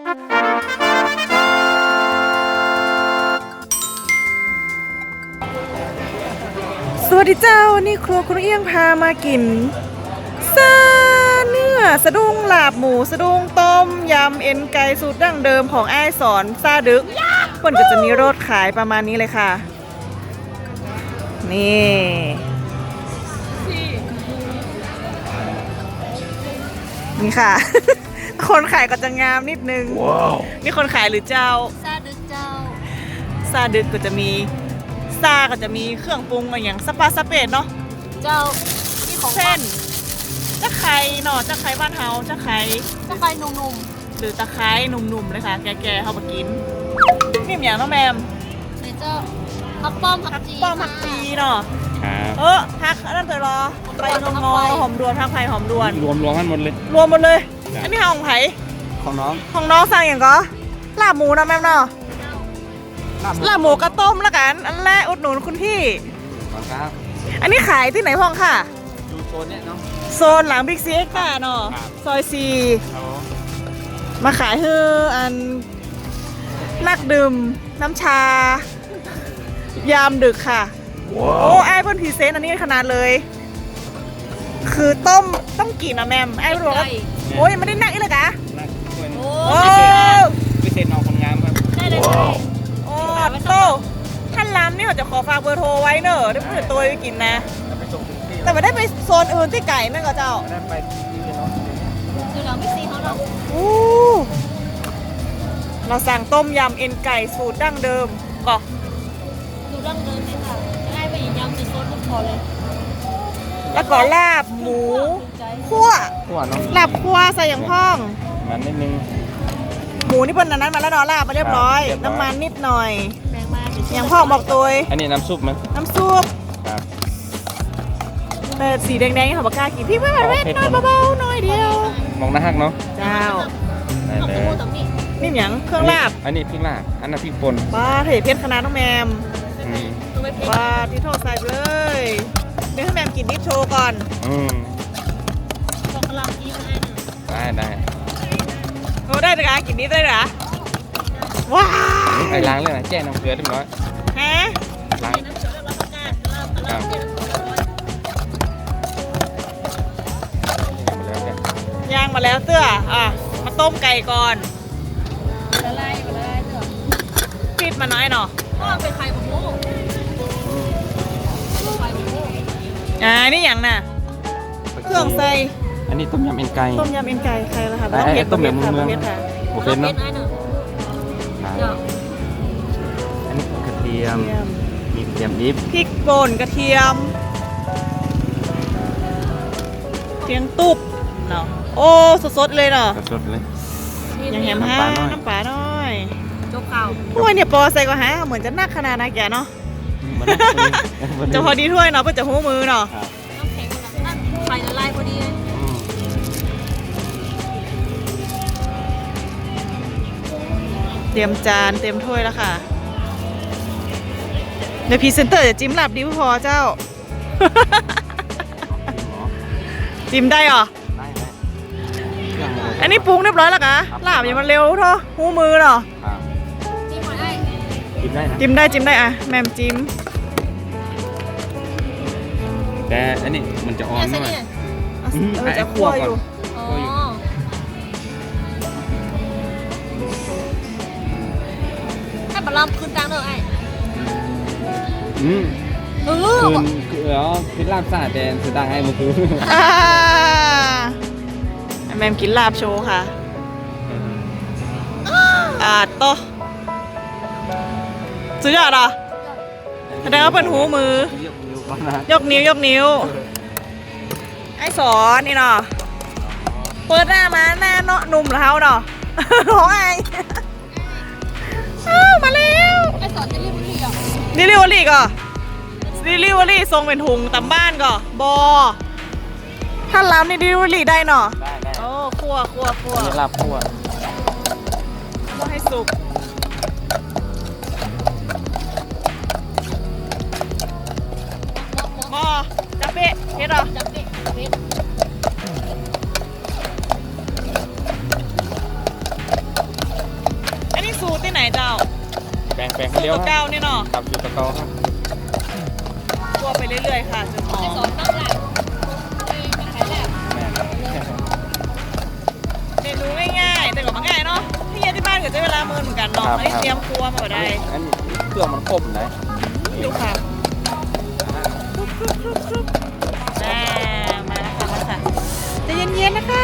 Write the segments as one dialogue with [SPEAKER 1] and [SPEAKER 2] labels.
[SPEAKER 1] สวัสดีเจ้านี่ครัวคุณเอี้ยงพามากินซาเนื้อสะดุ้งลาบหมูสะดุ้งต้มยำเอ็นไก่สูตรดั้งเดิมของอ้ายสอนซาดึกเพิ่นก็จะมีรสขายประมาณนี้เลยค่ะนี่ค่ะ คนขายก็จะงามนิดนึง wow. นี่คนขายหรือเจ้า
[SPEAKER 2] ซาดึกเจ้า
[SPEAKER 1] ซาดึกก็จะมีซาก็จะมีเครื่องปรุงอย่างสปาสเปดเนาะ
[SPEAKER 2] เจ้านี่ของ
[SPEAKER 1] เส้นตะไคร้เนาะตะไคร้บ้านเฮาตะไคร้
[SPEAKER 2] นุ่ม
[SPEAKER 1] ๆหรือตะไคร้หนุ่มๆเลยค่ะแก่ๆเฮามากินนี่อย่างน้องแมม
[SPEAKER 2] นี่เจ้าผักป้อมผัก
[SPEAKER 1] จีเนาะผักนั่นเถอะรอใบงอหอมดวนผักไผ่หอมดวน
[SPEAKER 3] รวมกันหมดเลย
[SPEAKER 1] อันนี้ของไผ่
[SPEAKER 3] ของ
[SPEAKER 1] น้องสั่งอย่างก็ลาบหมูนะแมมเนาะลาบหมูกระต้มแล้วกันอันแรกอุดหนุนคุณพี่
[SPEAKER 3] ครับ
[SPEAKER 1] อันนี้ขายที่ไหนพ่องค่ะ
[SPEAKER 3] อยู่โซนเนี้ยเนาะ
[SPEAKER 1] โซนหลังบิ๊กซีเอ็กซ์เนาะซอย4มาขายให้อันนักดื่มน้ำชายามดึกค่ะโอ้ไอ้เพิ่นพรีเซนต์อันนี้ขนาดเลยคือต้มกี่นะแมมไอ้รู้ว่าโอ้ยไม่ได้นักอีกเลยกะ
[SPEAKER 3] โอ้พิเศษน้องคนงามครับ
[SPEAKER 2] ได้เลย
[SPEAKER 1] โอ้โตท่านล้ำนี่เขาจะขอฝากเบอร์โทรไว้เนอะได้เพื่อตัวไปกินนะแต่ไม่ได้ไปโซนอื่นที่ไก่นั่นก็เจ้า
[SPEAKER 3] ได้ไปที่เนาะ
[SPEAKER 2] คือเราไม่ซีเขาหรอก
[SPEAKER 1] เราสั่งต้มยำเอ็นไก่สูตรดั้งเดิมก็
[SPEAKER 2] สูตรดั้งเดิมนี่ค่ะง่ายไปอีกยำเป็นโซนลูกคอเลย
[SPEAKER 1] แล้วก็ลาบหมูคั่ว
[SPEAKER 3] เนาะ
[SPEAKER 1] ลาบคั่วใส่อย่างพ่อง
[SPEAKER 3] มันนิดนึง
[SPEAKER 1] หมูนี่เป็นนั้นมาแล้วเนาะลาบมาเรียบร้อยน้ำมันนิดหน่อย
[SPEAKER 2] แรงมาก
[SPEAKER 1] อย่างพ่อบอกตัว
[SPEAKER 3] อันนี้น้ำซุปมั้ย
[SPEAKER 1] น้ำซุป
[SPEAKER 3] ครับ
[SPEAKER 1] แต่สีแดงๆเขาบอกกล้ากินพี่ไม่มาเว้นน้อยเบาๆน้อยเดียว
[SPEAKER 3] มองหน้าฮักเนาะ
[SPEAKER 1] เจ้า
[SPEAKER 3] ได้เลย
[SPEAKER 1] นี่อย่างเครื่องลาบ
[SPEAKER 3] อันนี้พริกลาบอันนั้นพริกป่น
[SPEAKER 1] ป้าเทเพชรคณะน้องแมมป้าที่โทษใส่เลยเดี๋ยวให้แมมกินนิดโชว์ก่อน
[SPEAKER 2] บอกเรากิน
[SPEAKER 3] ได้
[SPEAKER 1] โอ้ได้เลยกินนิดได้เหรอว้าว
[SPEAKER 3] ไปล้างเลยนะแจ้น้ำเกลือเรียบร้อย
[SPEAKER 1] ฮะ
[SPEAKER 3] ล้าง
[SPEAKER 1] ย่างมาแล้วเตื้อมาต้มไก่ก่อน
[SPEAKER 2] ละลายเตื้อ
[SPEAKER 1] ปิดมาน้อยเนาะ
[SPEAKER 2] เป็นไข่บุ้ง
[SPEAKER 1] นี่อย่างน่ะเครื่องใส่
[SPEAKER 3] อันนี้ต้มยำเอ็นไก่
[SPEAKER 1] ใครล่ะคะ
[SPEAKER 3] ต้มยำเมืองโอเคเนาะอันนี้กระเทียมมีกระเทียมดิบ
[SPEAKER 1] พริกป่นกระเทียมเทียงตุบเนาะโอ้สดๆเลยเนาะ
[SPEAKER 3] สดเลย
[SPEAKER 1] ยังแฮมฮะน้ำปลาน้อย
[SPEAKER 2] โจ๊กข้าว
[SPEAKER 1] ถ้วยเนี่ยปอใส่ก็ฮะเหมือนจะนักขนาดนะแกเนาะจะพอดีถ้วยเนาะก็จะหูมือเนาะ
[SPEAKER 2] น้ำแข็งนั่นไข่ละลายพอดีเลย
[SPEAKER 1] เตรียมจานเตรียมถ้วยแล้วค่ะในพรีเซนเตอร์จะจิ้มลาบดิวพอเจ้าจิ้มได้หรออันนี้ปรุงเรียบร้อยแล้วกะลาบอย่างมันเร็วเท่าหูมือเนาะ
[SPEAKER 3] จิ้มได้
[SPEAKER 1] อะแมมจิ้ม
[SPEAKER 3] แต่อันนี้มันจะอ่อนหน่อย
[SPEAKER 1] จะคั่วอยู่
[SPEAKER 2] ให้ปลาล้ำขึ้นตังเด้อไอ้
[SPEAKER 3] คือลาบสาแดนสุดดังให้มันคือ
[SPEAKER 1] แมมกินลาบโชว์ค่ะโตสุดยอดอ่ะแสดงว่าเป็นหูมือยกนิ้วไอ้สอนนี่เนาะเปิดหน้ามาหน้าเนาะนุ่มแล้วเนาะโอ้ยมาแล้ว
[SPEAKER 2] ไอ้สอนจะรีบรีบ
[SPEAKER 1] ดิลิเวอรี่ส่งเป็นถุงตามบ้านก็บอถ้าล้ำนี่ดิลิเวอรี่ได้เนาะ
[SPEAKER 3] ได้
[SPEAKER 1] โอ้คั่ว
[SPEAKER 3] นี่ลาบคั่ว
[SPEAKER 1] ให้สุกจับเป๊ะเฮ็ดหรอ
[SPEAKER 2] จับเป๊ะ
[SPEAKER 1] เจ้า
[SPEAKER 3] แปลง
[SPEAKER 1] สู
[SPEAKER 3] คน
[SPEAKER 1] ตร
[SPEAKER 3] เดียว
[SPEAKER 1] ตัวเก้านี่เนาะ
[SPEAKER 3] ครับอยู่ตะเกาครับ
[SPEAKER 1] คั่วไปเรื่อยๆค่ะจนหอ
[SPEAKER 2] ไปสอ
[SPEAKER 1] ม
[SPEAKER 2] นต้องแหละไปขายแหละ
[SPEAKER 3] แม่ครับ
[SPEAKER 1] เมนูง่ายๆแต่ก็มาง่ายเนาะที่เย็นที่บ้านก็ใช้เวลาเมินเหมือนกันเนาะอันนี้เตรียมครัวมาบ่ได้
[SPEAKER 3] อันนี้เครื่องมันครบไหน
[SPEAKER 1] ดูค่ะมาแล้วค่ะมาค่ะใจะเย็นๆนะคะ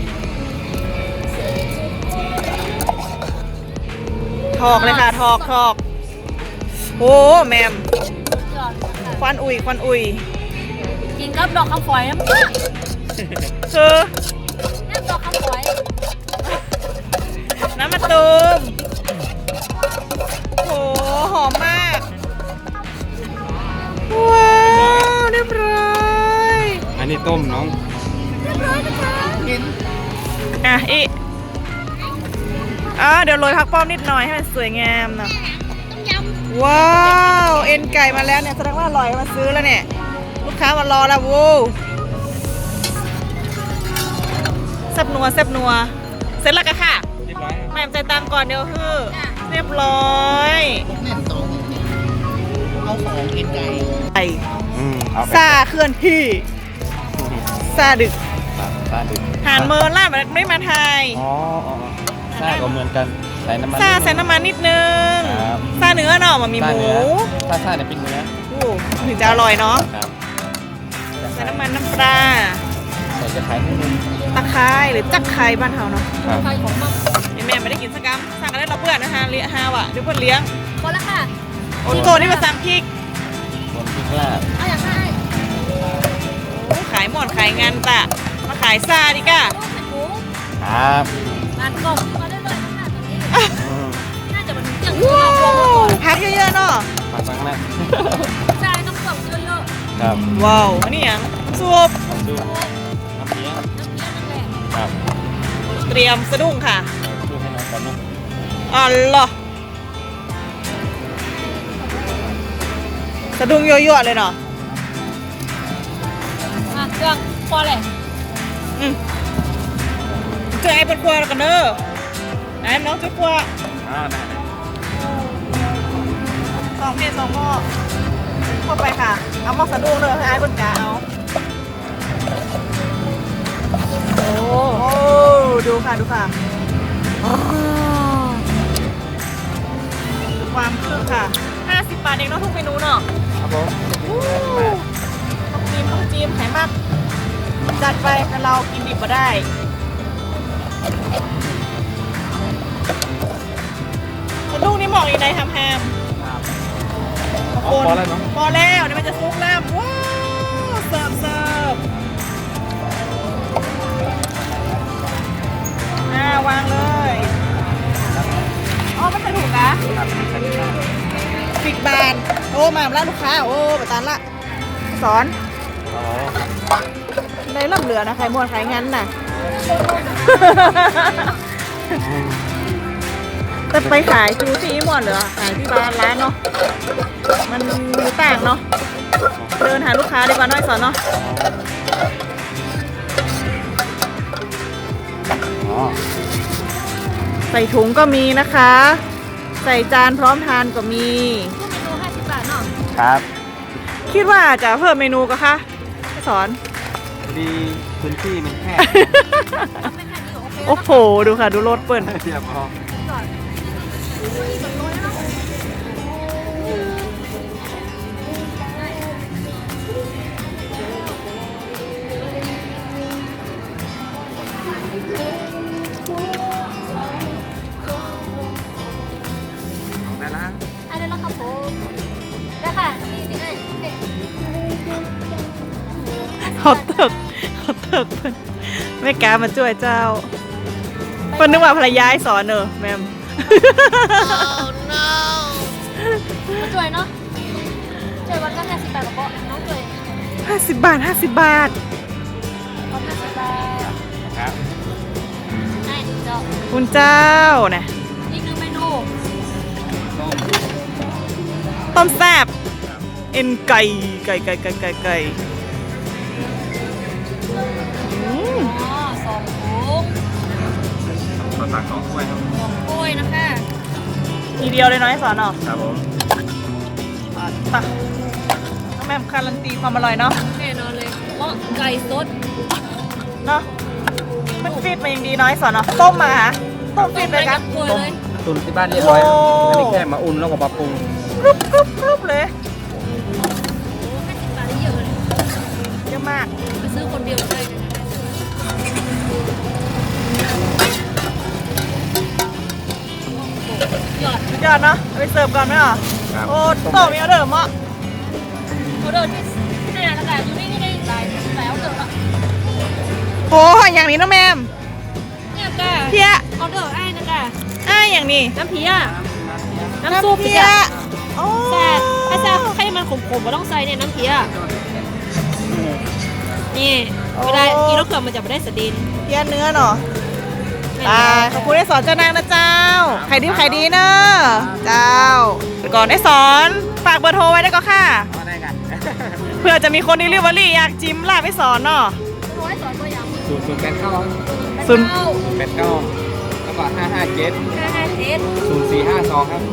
[SPEAKER 1] ถอกเลยค่ะถอกโอ้แมม
[SPEAKER 2] หยอดค่ะ
[SPEAKER 1] ควันอุ่ย
[SPEAKER 2] กินกับดอกคำฝอยน้ำ
[SPEAKER 1] คือ
[SPEAKER 2] น้ำดอกคำฝอย
[SPEAKER 1] น้ำมะตูมโหหอมมากว้าวเรียบร้อย
[SPEAKER 3] อันนี้ต้มน้อง
[SPEAKER 1] อ่ะเดี๋ยวโรยผักป้อมนิดหน่อยให้มันสวยงามเนาะว้าวเอ็นไก่มาแล้วเนี่ยแสดงว่าอร่อยมาซื้อแล้วเนี่ยลูกค้ามารอแล้ววูแซ่บนัวเสร็จแล้วก็ค่ะ
[SPEAKER 3] เรียบร้อย
[SPEAKER 1] แม่ใจตามก่อนเดี๋ยวคือเรียบร้อยไก่
[SPEAKER 3] เอาไป
[SPEAKER 1] ซาเคลื่อนที่ซาดึก
[SPEAKER 3] ซาดึก
[SPEAKER 1] หานเมินล่าแบบไม่มาไทย
[SPEAKER 3] อ๋อซาก็เหมือนกันใส่น้ำมัน
[SPEAKER 1] ซาใส่น้ำมันนิดนึง
[SPEAKER 3] ครับ
[SPEAKER 1] ซาเนื้อเนาะมันมีห
[SPEAKER 3] ซา
[SPEAKER 1] มู
[SPEAKER 3] เนื้อซาเนี่ยเป็นเนื้อ
[SPEAKER 1] โอ้ถึงจะอร่อยเนาะ
[SPEAKER 3] ครับ
[SPEAKER 1] ใส่น้ำมันน้ำปลา
[SPEAKER 3] ใส่จะขายให้นึง
[SPEAKER 1] ตะไคร้หรือจักไคร้บ้านเฮาเนาะ
[SPEAKER 3] ครับ
[SPEAKER 2] ไฟของมัม
[SPEAKER 1] แม่ไม่ได้กินสักกำสั่งกันได้เราเพื่อนนะคะเลี้ยฮาวะเดี๋ยวเพื่อนเลี้ยง
[SPEAKER 2] พอแล้วค่ะ
[SPEAKER 1] โอนโกนี่มาสั่งพริก
[SPEAKER 3] รวมพริกลาบ
[SPEAKER 2] เอาอย่างไร
[SPEAKER 1] โอ้ขายหมอนขายงานตะมาขายซาดิก้า
[SPEAKER 2] ลูกเป็นหมู
[SPEAKER 3] ครับ
[SPEAKER 2] งานกบมาได้เลยค่ะตอนนี้
[SPEAKER 3] อืม
[SPEAKER 2] น่าจะเป็นอย่าง
[SPEAKER 1] ว้า
[SPEAKER 2] ที่เรา
[SPEAKER 1] วพักเยอะๆเนาะ
[SPEAKER 3] มาฟังนะ
[SPEAKER 2] ใช่ต้องกบเยอะ
[SPEAKER 3] ครับ
[SPEAKER 1] ว้าวอันนี้อย่างซุป
[SPEAKER 3] ผมดูน้ำเลี้ยง
[SPEAKER 2] ๆน้ำเงี้ยนั่นแหละ
[SPEAKER 3] ครับ
[SPEAKER 1] เตรียมสะดุ้งค่ะ
[SPEAKER 3] ดูให้น้องก่อนเนาะ
[SPEAKER 1] อ๋อเหรอสะดุ้งยั่วๆเลยเนาะ
[SPEAKER 2] มาเครื่องพอเลย
[SPEAKER 1] อืมเจอไอ้เป็นครัวกันเนอะไหนน้องจะครัว
[SPEAKER 3] อ่าได้
[SPEAKER 1] สองเพศสองหม้อเข้าไปค่ะ เอาหม้อสะดุ้งเลยให้ไอ้บนกาเอาโอ้ดูค่ะดูค่ะอ๋อดูความคึกค่ะ50 บาทเองเนาะทุกเมนูเนาะ
[SPEAKER 3] ครับผม
[SPEAKER 1] ต้องจิ้มไขมันจัดไปแต่เรากินดิบมาได้ลูกนี่หมอกอีกในแฮมๆ
[SPEAKER 3] พอแล้วเนาะ
[SPEAKER 1] พอแล้วเดี๋ยวมันจะซุกแล้วว้าวเสิร์ฟวางเลยอ๋อไม่ใส่ถุงนะครับ
[SPEAKER 3] ใส่ที่บ้าน
[SPEAKER 1] ปิกบานโอ้มาแล้วลูกค้าโอ้ประตานละสอน
[SPEAKER 3] อ๋อ
[SPEAKER 1] ในลำเหลือนะใครมวนใครงั้นน่ะ แต่ไปขายจูที่หมดเหรอขายที่ร้านเนาะมันมีต่างเนาะเดินหาลูกค้าดีกว่าน้อยสอนเนาะ
[SPEAKER 3] อ๋อ
[SPEAKER 1] ใส่ถุงก็มีนะคะ ใส่จานพร้อมทานก็มี
[SPEAKER 2] ทุกเมนู50 บาทเนาะ
[SPEAKER 3] ครับ
[SPEAKER 1] คิดว่าจะเพิ่มเมนูก็คะให้สอน
[SPEAKER 3] พอดีพื้นที่มันแคบ
[SPEAKER 2] ทำเป็นแค่นี้โอเค
[SPEAKER 1] โอ้โหดูค่ะดูรถเปิ่น
[SPEAKER 3] เทียบพอ
[SPEAKER 2] ก่อนนี่แบบน้อยเนาะ
[SPEAKER 3] ได้ละ
[SPEAKER 2] อันนี้แล้วครับผมได้ค่ะนี่สิไอ้
[SPEAKER 1] เขาเติกเพิ่นไม่กล้ามาช่วยเจ้าเพิ่นนึกว่าภรรยาให้สอนเนอะแมม
[SPEAKER 2] มาช่วยเนาะช่วยวันก็50 บาทกับเบาะน้องช่วย
[SPEAKER 1] 50 บาท 50 บาท
[SPEAKER 2] ขอ50 บาท
[SPEAKER 3] ครับ
[SPEAKER 2] ได้เจ้า
[SPEAKER 1] คุณเจ้านะ
[SPEAKER 2] อีกหนึ่งเมนู
[SPEAKER 3] ต้ม
[SPEAKER 1] ต้มแซ่บเอ็นไก่อืม
[SPEAKER 2] อ๋อ2 ถุง
[SPEAKER 3] ข้าวตัก2 ถ้วยครับ
[SPEAKER 2] 2 ถ้วยนะคะ
[SPEAKER 1] ทีเดียวเลยเนาะไอ้สอนเนาะ
[SPEAKER 3] ครับผม
[SPEAKER 1] ตักน้องแม่มการันตีความอร่อยเนาะ
[SPEAKER 2] แน่นอนเลยเหมาะไก่สด
[SPEAKER 1] เนาะมันฟีดมาอย่างดีเนาะไอ้สอนเนาะต้มมาฮะต้มฟีดเลยกัน
[SPEAKER 2] กล้วย
[SPEAKER 3] ต้ม
[SPEAKER 2] เลย
[SPEAKER 3] ตุนที่บ้านเรียบร้อยครับ
[SPEAKER 1] โอ้
[SPEAKER 3] อันนี้แค่มาอุ่นแล้วก็มาปรุง
[SPEAKER 1] กรุบกรุบกรุบเลย
[SPEAKER 2] 50 บาทได้เยอะเลย
[SPEAKER 1] เยอะมาก
[SPEAKER 2] ไปซื้อคนเดียวเลยยอด
[SPEAKER 1] สุดยอดเนาะเอาไปเสิร์ฟก่อนไหมอ่ะ
[SPEAKER 3] ครับ
[SPEAKER 1] โอ้โตมีออเดอร์เหมาะ
[SPEAKER 2] ออเดอร์ที่ไหนแล้วกันอยู่นี่ได้หลายแล้วเดิมอะ
[SPEAKER 1] โอ้อย่างนี้น้องแมม
[SPEAKER 2] เนี่ยกะ
[SPEAKER 1] เพี้ย
[SPEAKER 2] ออเดอร์ไอ้นะกะ
[SPEAKER 1] อ้ายอย่างนี้
[SPEAKER 2] น้ำเพี้ยน้ำซุป
[SPEAKER 1] เพี้
[SPEAKER 2] เนี่ย ย
[SPEAKER 1] โอ้
[SPEAKER 2] แต่ถ้าจะให้มันขมๆก็ต้องใส่เนี่ยน้ำเพี้ยนี่เวลากินรสเกลือมันจะไม่ได้สะดิน
[SPEAKER 1] เพี้ยเนื้อเนาะตายขอบคุณได้สอนเจ้านางนะเจ้าไข่ดิบไข่ดีเนอะเจ้าแต่ก่อนได้สอนฝากเบอร์โทรไว้ได้ก็ค่ะ
[SPEAKER 3] เอาได้กัน
[SPEAKER 1] เพื่อจะมีคนดิลิเวอรี่อยากจิ้มลาบไปสอนเนาะ
[SPEAKER 2] ร้อยสอนตัวอย่าง
[SPEAKER 3] 0 8 9
[SPEAKER 1] ศูนย์
[SPEAKER 3] 8 9แล้วก็557
[SPEAKER 2] 557
[SPEAKER 3] 0452ครับ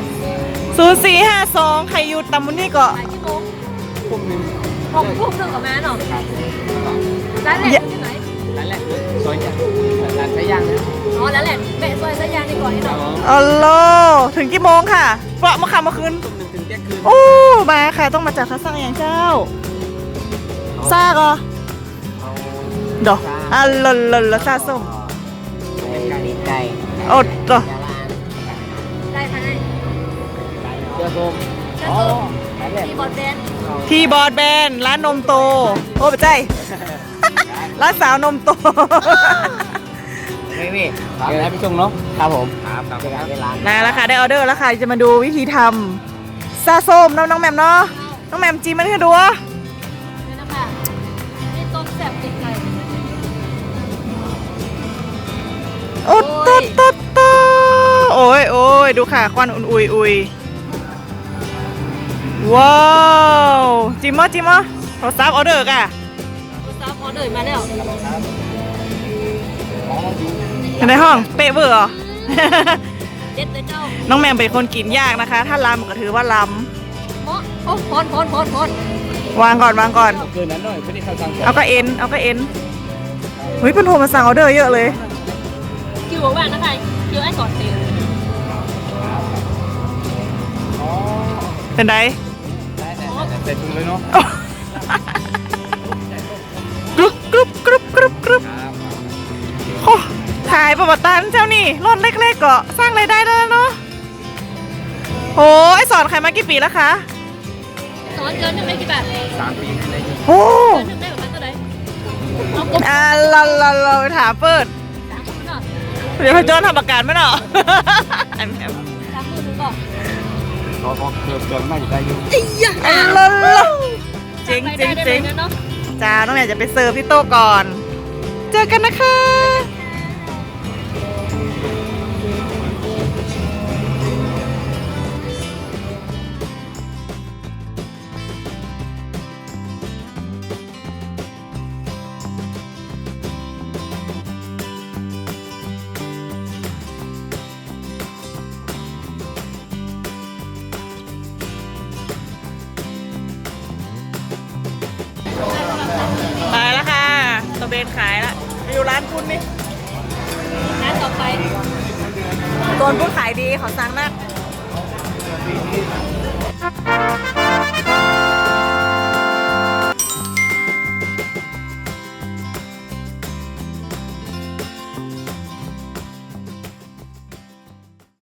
[SPEAKER 1] 0452ใครอยู่ตำมุนี่ก็
[SPEAKER 2] บ่ายกี่โมง
[SPEAKER 3] พวกนึง
[SPEAKER 2] 6 ทุ่มถึงกับแม่เนาะ
[SPEAKER 3] ครับ
[SPEAKER 2] ร้านแรกอยู่ที่ไหน
[SPEAKER 3] ร้านแรกคือซอยย่างร้านไส้ย่างนะ
[SPEAKER 2] อ๋อร้านแรกเบะซอยสยางในก่อนนี่
[SPEAKER 3] ครับ
[SPEAKER 2] เนาะ
[SPEAKER 3] ผม
[SPEAKER 1] อ๋อโลถึงกี่โมงค่ะเปราะมาค่ำเมื่อคืน
[SPEAKER 3] ทุ่มหนึ่งถึงเที่ยงคืน
[SPEAKER 1] โอ้มาค่ะต้องมาจากข้าสั่งอย่างเจ้าซากเหรอดอกอ่ะลซาส้ม
[SPEAKER 3] เป็นไก่ไก่
[SPEAKER 1] โอ้ดอก
[SPEAKER 2] ได้ค่ะได้
[SPEAKER 3] เสื้อส้ม
[SPEAKER 2] เจ้าตัวมีบอดแบน
[SPEAKER 1] ทีบอร์ดแบนร้านนมโตโอ้ปะใจร้านสาวนมโต
[SPEAKER 3] นี่เดี๋ยวให้พี่ชงเนาะครับผมครับครับเวลา
[SPEAKER 1] มาแล้วค่ะได้ออเดอร์แล้วค่ะจะมาดูวิธีทำซาส้มน้องแมมเนาะน้องแมมจีมันให้ดูวะ
[SPEAKER 2] นี่นะคะนี่ต้มแซ่บติดไก่
[SPEAKER 1] โอ้ตดตดตดโอ้ยโอ้ยดูค่ะควันอุ่นอุยว้าวจิมมะจิมมะโทรศัพท์ออเดอร์ก่ะ
[SPEAKER 2] ตัวซับออเดอร์มาแล้ว
[SPEAKER 1] ในห้องเป๊ะเบอร์เหรอ
[SPEAKER 2] เด็ดเลยเจ้า
[SPEAKER 1] น้องแมมเป็นคนกินยากนะคะ ถ้าลำก็ถือว่าล
[SPEAKER 2] เหมาะโอ้พอน
[SPEAKER 1] ำวางก่อนวางก่อน
[SPEAKER 3] คืนนั้นหน่อยไม่ได้เข้าสั่ง
[SPEAKER 1] เอาก็เอ็นเอาก็เอ็นเฮ้ยเป็นโทรมาสั่งออเดอร์เยอะเลย
[SPEAKER 2] คิวบอกว่านะคะคิวไอ้สอนเต็ม
[SPEAKER 3] อ๋อ
[SPEAKER 1] เป็นไร
[SPEAKER 3] ได้แต่ถุงเลยเนาะ
[SPEAKER 1] กรุบกรุบกรุบกรุบกรุบ
[SPEAKER 3] ครับ
[SPEAKER 1] โอ้ขายประวัติตันเจ้านี่รถเล็กๆก็สร้างรายได้ได้แล้วเนาะโอ้ไอสอนขายมากี่ปีแล้วคะ
[SPEAKER 2] สอนเกินหนึ่งได้กี่บาท
[SPEAKER 3] 3 ปีได้อยู่
[SPEAKER 1] โอ้
[SPEAKER 2] เกินหนึ่งได้ประมาณเท่าไหร่เอากบ
[SPEAKER 1] เราไปถามเปิด
[SPEAKER 2] 30,000เนาะ
[SPEAKER 1] เดี๋ยวพจนทำประกันไหมเนาะ อันนี้
[SPEAKER 2] 30,000นึงก่อน
[SPEAKER 3] ขอเกินไม่ได้อยู่
[SPEAKER 1] อันเจ๋งเจ๋งเจ๋ง
[SPEAKER 2] เนาะ
[SPEAKER 1] จ้าน้องแหนจะไปเสิร์ฟที่โต๊ะก่อน เจอกันนะคะ ไปแล้วค่ะตะเบนขายละไปอยู่ร้านคุณนี่
[SPEAKER 2] ร้านต่อไป
[SPEAKER 1] ตัวคุณขายดีขอสั่งนัก